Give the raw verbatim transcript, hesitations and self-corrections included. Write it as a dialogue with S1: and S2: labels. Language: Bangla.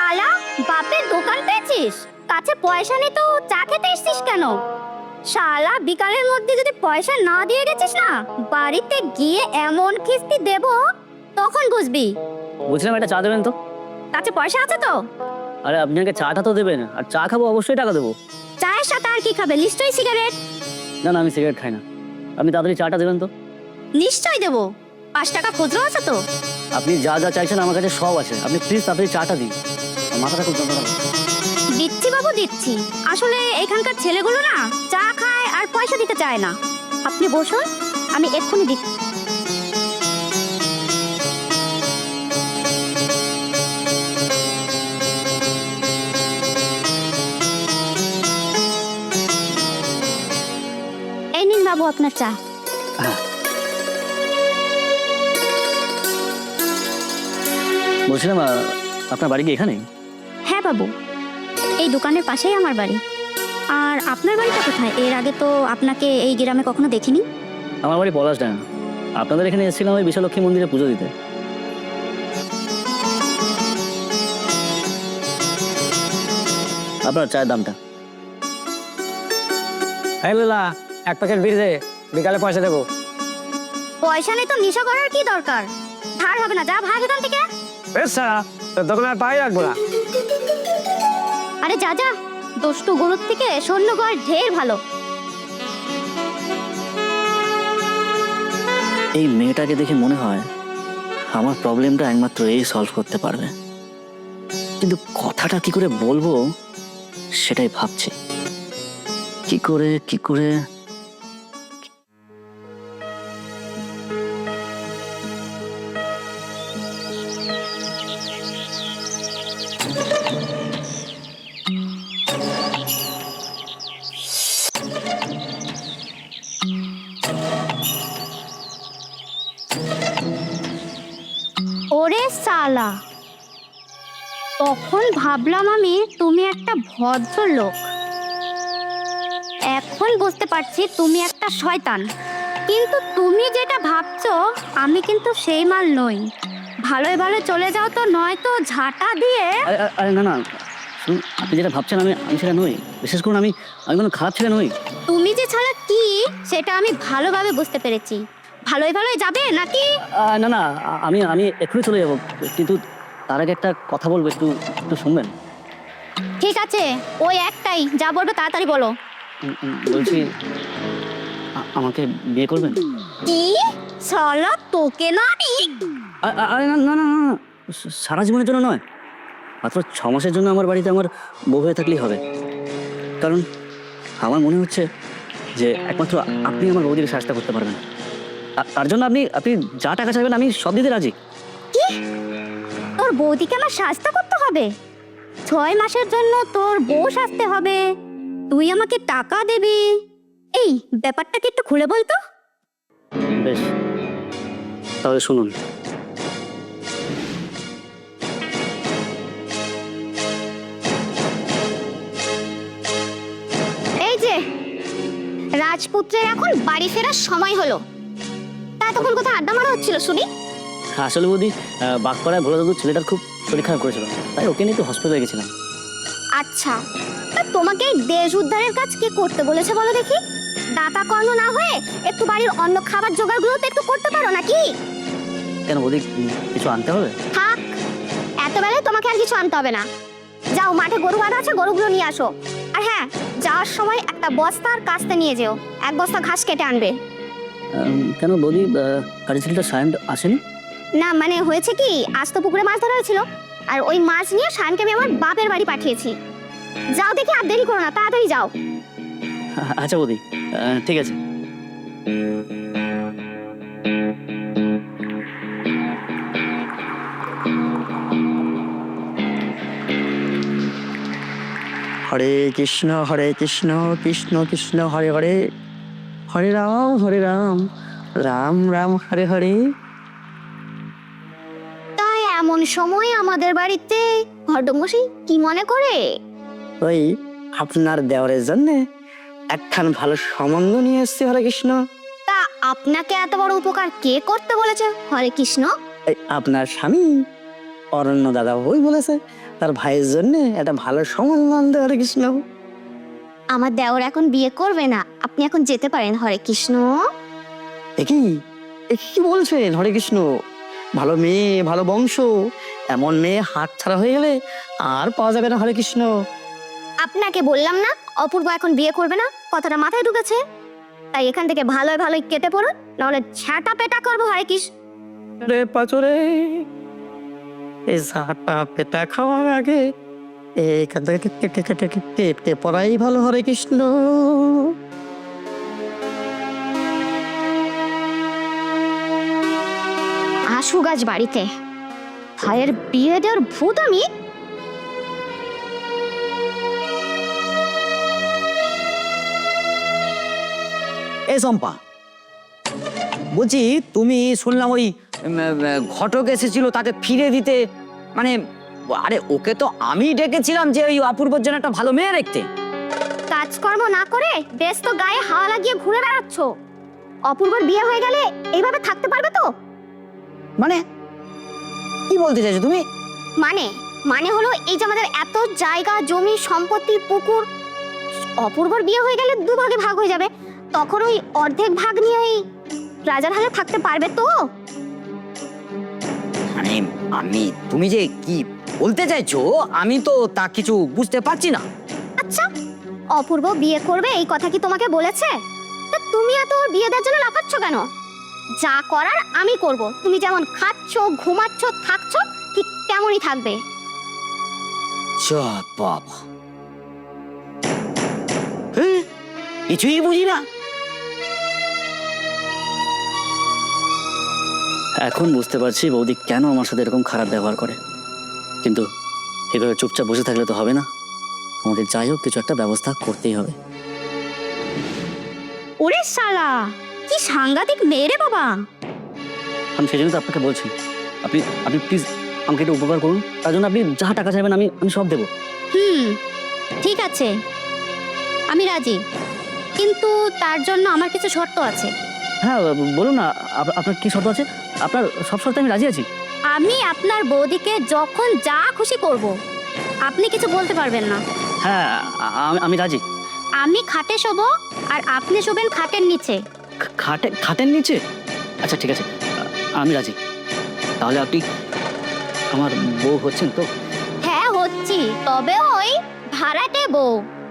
S1: শালা, বাপের দোকান পেয়েছিস, কাছে পয়সা নেই তো চা খেতে এসছিস কেন? শালা, বিকালের মধ্যে যদি পয়সা না দিয়ে গেছিস না, বাড়িতে গিয়ে এমন কিস্তি দেব তখন বুঝবি।
S2: বলছিলাম একটা চা দেবেন তো।
S1: কাছে পয়সা আছে তো?
S2: আরে আপনি আগে চাটা তো দেবেন, আর চা খাবো অবশ্যই টাকা দেবো।
S1: চায়ের সাথে আর কি খাবে? নিশ্চয়ই সিগারেট।
S2: না না, আমি সিগারেট খাই না। আপনি তাড়াতাড়ি চাটা দেবেন তো।
S1: নিশ্চয়ই দেবো। পাঁচ টাকা খুচরো আছে তো?
S2: আপনি যা যা চাইছেন আমার কাছে সব আছে, আপনি প্লিজ তাড়াতাড়ি চাটা দিন। মাথাটা খুব যন্ত্রণা করছে।
S1: দিচ্ছি বাবু, দিচ্ছি। আসলে এখানকার ছেলেগুলো না চা খায় আর পয়সা দিতে চায় না। আপনি বসুন, আমি এক্ষুনি দিচ্ছি। এই নিন বাবু আপনার চা।
S2: বলছিলাম আহ, আপনার বাড়ি কি এখানে?
S1: হ্যাঁ বাবু, এই দোকানের পাশেই আমার বাড়ি। আর আপনার বাড়িটা কোথায়? এর আগে তো আপনাকে এই গ্রামে কখনো দেখিনি।
S2: আমার বাড়ি পলাশডাঙ্গা। আপনাদের এখানে এসেছিলাম ওই বিশালক্ষী মন্দিরে পুজো দিতে। আপনার চায়ের দামটা?
S3: এই লোলা, এক প্যাকেট বিড়ি দে, বিকালে পয়সা দেবো।
S1: পয়সা নেই তো নেশা করার কি দরকার? ধার হবে না, যা ভাগ এখান থেকে।
S3: বেশ, তোর দোকানে আর পাই রাখবো না।
S1: আরে যা যা, দুষ্টু গরুর থেকে সৈন্য গড় ঢের ভালো।
S2: এই মেয়েটাকে দেখে মনে হয় আমার প্রবলেমটা একমাত্র এই সলভ করতে পারবে, কিন্তু কথাটা কি করে বলবো সেটাই ভাবছি। কি করে কি করে
S1: ওরে সালা, তখন ভাবলাম আমি তুমি একটা ভদ্র লোক, এখন বুঝতে পারছি তুমি একটা শয়তান। কিন্তু তুমি যেটা ভাবছো আমি কিন্তু সেই মাল নই। ভালোই ভালো চলে যাও তো, নয়তো ঝাঁটা দিয়ে।
S2: আরে আরে- আরে না না, শুনুন, আপনি যেটা ভাবছেন আমি আমি সেটা নই। বিশেষ করুন আমি আমি কোনো খারাপ ছেলে নই।
S1: তুমি যে ছাড়া কি সেটা আমি ভালোভাবে বুঝতে পেরেছি। ভালোই ভালোই যাবে নাকি?
S2: আহ, না না, আ- আমি আমি এক্ষুনি চলে যাবো, কিন্তু তার আগে একটা কথা বলবো, একটু একটু শুনবেন?
S1: ঠিক আছে, ওই একটাই, যা বলবো তাড়াতাড়ি বলো।
S2: উম, উম, বলছি আ- আমাকে বিয়ে করবেন?
S1: কি শালা, তোকে না আমি?
S2: আ- আ- আরে না না না না, স- সারা জীবনের জন্য নয়, মাত্র ছ মাসের জন্য আমার বাড়িতে আমার বউ হয়ে থাকলেই হবে। কারণ আমার মনে হচ্ছে যে একমাত্র আপনি আমার বৌদিকে সাহায্য করতে পারবেন। তা- তার জন্য আপনি আপনি যা টাকা চাইবেন আমি সব দিতে রাজি।
S1: কি, তোর বৌদিকে আমার শাস্তা করতে হবে? ছয় মাসের জন্য তোর বউ সাজতে হবে, তুই আমাকে টাকা দিবি? এই ব্যাপারটা কি একটু খুলে বলতো।
S2: বেশ, তাহলে শুনুন।
S1: এই যে রাজপুত্রের এখন বাড়ি ফেরার সময় হলো, তা তখন কোথায় আড্ডা মারা হচ্ছিল শুনি?
S2: আসলে বৌদি, আহ, বাগপাড়ায় ভোলা দাদুর ছেলেটার খুব শরীর খারাপ করেছিল, তাই ওকে নিয়ে একটু হসপিটালে গেছিলাম।
S1: আচ্ছা, তা তোমাকে এই দেশ উদ্ধারের কাজ কে করতে বলেছে বলো দেখি? দাতা কর্ম না হয়ে একটু বাড়ির অন্য খাবার জোগাড়গুলো তো একটু করতে পারো নাকি?
S2: কেন বৌদি, উম, কিছু আনতে হবে?
S1: থাক, এত বেলায় তোমাকে আর কিছু আনতে হবে না। যাও, মাঠে গরু বাঁধা আছে, গরুগুলো নিয়ে আসো। আর হ্যাঁ, যাওয়ার সময় একটা বস্তা আর কাস্তে নিয়ে যেও, এক বস্তা ঘাস কেটে আনবে।
S2: আম, কেন বৌদি, আহ, কাজের ছেলেটা সায়ন আসেনি?
S1: না মানে হয়েছে কি, আজ তো পুকুরে মাছ ধরা হয়েছিল, আর ওই মাছ নিয়ে শায়নকে আমি আমার বাপের বাড়ি পাঠিয়েছি। যাও দেখি, আর দেরি করো না, তাড়াতাড়ি যাও।
S2: আচ্ছা বৌদি, আহ, ঠিক আছে।
S3: হরে কৃষ্ণ হরে কৃষ্ণ কৃষ্ণ কৃষ্ণ হরে হরে, হরে রাম হরে রাম, রাম রাম হরে হরে।
S1: তাই এমন সময় আমাদের বাড়িতে ঘরডমশাই কি মনে করে?
S3: ওই আপনার দেওয়ারের জন্য একখান ভালো সম্বন্ধ নিয়ে এসছি হরে কৃষ্ণ।
S1: তা আপনাকে এত বড় উপকার কে করতে বলেছে হরে কৃষ্ণ?
S3: এই আপনার স্বামী অরণ্য দাদা বই বলেছে তার ভাইয়ের জন্য একটা ভালো সম্বন্ধ আনতে হরে কৃষ্ণ।
S1: আমার দেওর এখন বিয়ে করবে না, আপনি এখন যেতে পারেন। হরে কৃষ্ণ।
S3: একই কি বলছেন হরে কৃষ্ণ? ভালো মেয়ে, ভালো বংশ, এমন মেয়ে হাত ছাড়া হয়ে গেলে আর পাওয়া যাবে না হরে কৃষ্ণ।
S1: আপনাকে বললাম না অপূর্ব এখন বিয়ে করবে না, কথাটা মাথায় ঢুকেছে? তাই এখান থেকে ভালোই ভালোই কেটে পড়ুন, নাহলে ঝাঁটা পেটা করবো। হরে কৃষ্ণ।
S3: রে পাচরে, এই ঝাঁটা পেটা খাওয়ার আগে এখান থেকে কেটে কেটে কেটে পড়াই ভালো হরে কৃষ্ণ।
S1: আশু গাছ বাড়িতে, ভাইয়ের বিয়ে দেওয়ার ভূত আমি।
S2: এ চম্পা, বলছি তুমি শুনলাম ওই উম, আহ, ঘটক এসেছিল তাকে ফিরে দিতে, মানে আরে ওকে তো আমি ডেকেছিলাম যে ওই অপূর্বর জন্য একটা ভালো মেয়ে দেখতে।
S1: কাজকর্ম না করে বেশ তো গায়ে হাওয়া লাগিয়ে ঘুরে বেড়াচ্ছ। অপূর্বর বিয়ে হয়ে গেলে এইভাবে থাকতে পারবে তো?
S2: মানে কি বলতে চাইছো তুমি?
S1: মানে মানে হলো এই যে আমাদের এত জায়গা জমি সম্পত্তি পুকুর, অপূর্বর বিয়ে হয়ে গেলে দুভাগে ভাগ হয়ে যাবে, তখন ওই অর্ধেক ভাগ নিয়েই রাজার হালে থাকতে পারবে তো?
S2: মানে আমি, তুমি যে কি বলতে চাইছো আমি তো তা কিছু বুঝতে পারছি না।
S1: আচ্ছা, অপূর্ব বিয়ে করবে এই কথা কি তোমাকে বলেছে? তা তুমি এত ওর বিয়ে দেওয়ার জন্য লাফাচ্ছ কেন? যা করার আমি করব, তুমি যেমন খাচ্ছ ঘুমাচ্ছ থাকছ ঠিক তেমনই থাকবে।
S2: যা বাবা, হ্যাঁ, কিছুই বুঝি না। এখন বুঝতে পারছি বৌদি কেন আমার সাথে এরকম খারাপ ব্যবহার করে, কিন্তু এভাবে চুপচাপ বসে থাকলে তো হবে না, আমাদের যাই হোক কিছু একটা ব্যবস্থা করতেই হবে।
S1: ওরে শালা, কি সাংঘাতিক মেয়ে রে বাবা!
S2: আমি সেই জন্য তো আপনাকে বলছি, আপনি আপনি প্লিজ আমাকে একটু উপকার করুন, তার জন্য আপনি যা টাকা চাইবেন আমি আমি সব দেবো।
S1: হুম, ঠিক আছে, আমি রাজি, কিন্তু তার জন্য আমার কিছু শর্ত আছে।
S2: হ্যাঁ বলুন না, আপ- আপনার কি শর্ত আছে? আপনার সব শর্তে আমি রাজি আছি।
S1: আমি আপনার বৌদিকে যখন যা খুশি করব, আপনি কিছু বলতে পারবেন না।
S2: হ্যাঁ আ- আমি- আমি রাজি।
S1: আমি খাটে শোবো আর আপনি শোবেন খাটের নিচে।
S2: খা- খাটে খাটের নিচে? আচ্ছা ঠিক আছে, আ- আমি রাজি। তাহলে আপনি আমার বউ হচ্ছেন তো?
S1: হ্যাঁ হচ্ছি, তবে ওই ভাড়াটে বউ।